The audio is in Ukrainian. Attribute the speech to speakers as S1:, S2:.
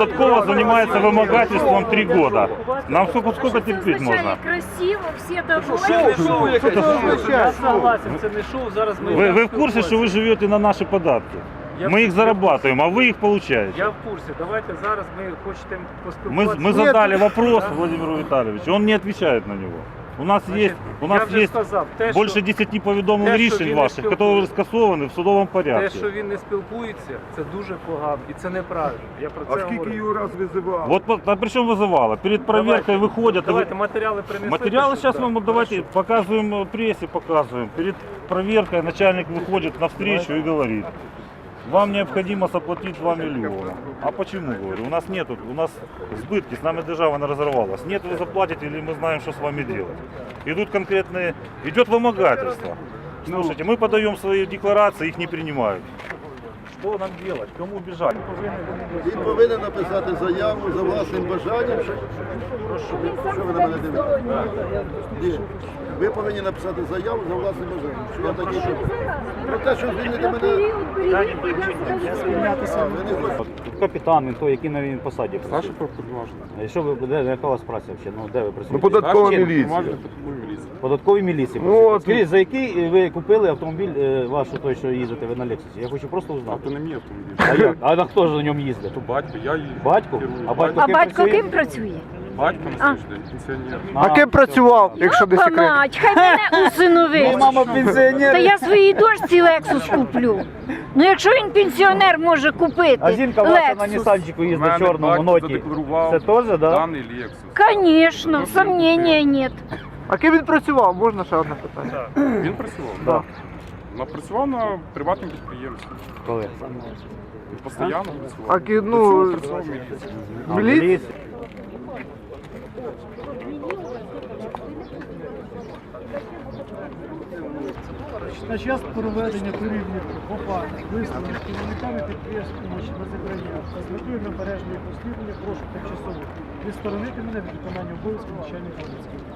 S1: Податкова занимается вымогательством 3 года. Нам сколько терпеть можно?
S2: Красиво, всі довольні.
S3: Я согласен, це не шоу, зараз ми...
S1: Вы в курсе, что вы живете на наши податки? Мы их зарабатываем, а вы их получаете.
S3: Я в курсі, давайте зараз ми хочемо поспілкуватися.
S1: Мы задали вопрос Владимиру Витальевичу, он не отвечает на него. У нас есть
S3: сказав,
S1: больше 10 повідомлень
S3: те, що
S1: рішень
S3: він не
S1: ваших,
S3: спілкується.
S1: які скасовані в судовому
S3: Те,
S1: порядку.
S3: що він не спілкується, це дуже погано і це неправильно. Я про
S4: А
S3: це
S4: скільки
S3: говорю.
S4: його раз визивав?
S1: Вот, а причем вызывало? Перед проверкой выходят...
S3: Давайте матеріали принесете.
S1: Материалы
S3: що-
S1: сейчас
S3: да.
S1: мы давайте показываем прессе, показываем. Перед проверкой начальник выходит навстречу и говорит: вам необходимо заплатить 2 миллиона. А почему, говорю? У нас сбытки, с нами держава не разорвалась. Нет, вы заплатите, или мы знаем, что с вами делать. Идет вымогательство. Слушайте, мы подаем свои декларации, их не принимают. Что нам делать? Кому бежать?
S5: Він повинен написати заяву за власним бажанням. Що ви на мене дивитесь? Ні. Ви повинні написати заяву за власним бажанням. Що я такий, що... Про те, що звільнити мене...
S6: Капітан, він той, який на він посаді працює.
S7: Старший повноважений.
S6: Що ви, яка у вас праця взагалі? Ну, де ви
S4: Ну,
S6: працюєте?
S4: податкова
S7: Старший
S4: міліція.
S7: повноважений податкової міліції.
S6: Податковій міліції
S4: Ну,
S6: працюєте.
S4: от-
S6: Скажіть, за який ви купили автомобіль ваш, той, що їздите ви на Лексусі? Я хочу просто узнати.
S7: А то не мій автомобіль.
S6: А як? А на хто ж на ньому їздить?
S7: То батько, я її
S6: Батько?
S7: керую.
S6: А батько
S2: А
S6: ким
S2: батько
S6: працює?
S2: ким працює?
S7: Батько на сьогоднішній день пенсіонер.
S4: А ким працював, якщо не секрет?
S2: Мать, хай мене усиновить.
S6: Мама пенсіонер.
S2: Та я своїй дочці Лексус куплю. Ну якщо він пенсіонер може купити
S6: А жінка ваша на
S2: Лексус,
S6: Нісанчику
S7: У
S6: їздить
S7: мене
S6: чорному
S7: батько
S6: ноті.
S7: задекларував
S6: Це теж, да?
S7: даний Lexus.
S2: Конечно, сомнения нет.
S4: А ким він працював? Можна ще одне питання?
S7: Він працював?
S6: Да.
S7: Працював на приватному підприємстві.
S6: Коли?
S7: Він постійно працював.
S4: А ну,
S7: Працював в міліції.
S4: міліція?
S8: На час проведення перевірки ОПА висновок керівниками підприємств на зібрання та з метою набережної розслідування прошу тимчасово відсторонити мене від виконання обов'язків начальника поліції.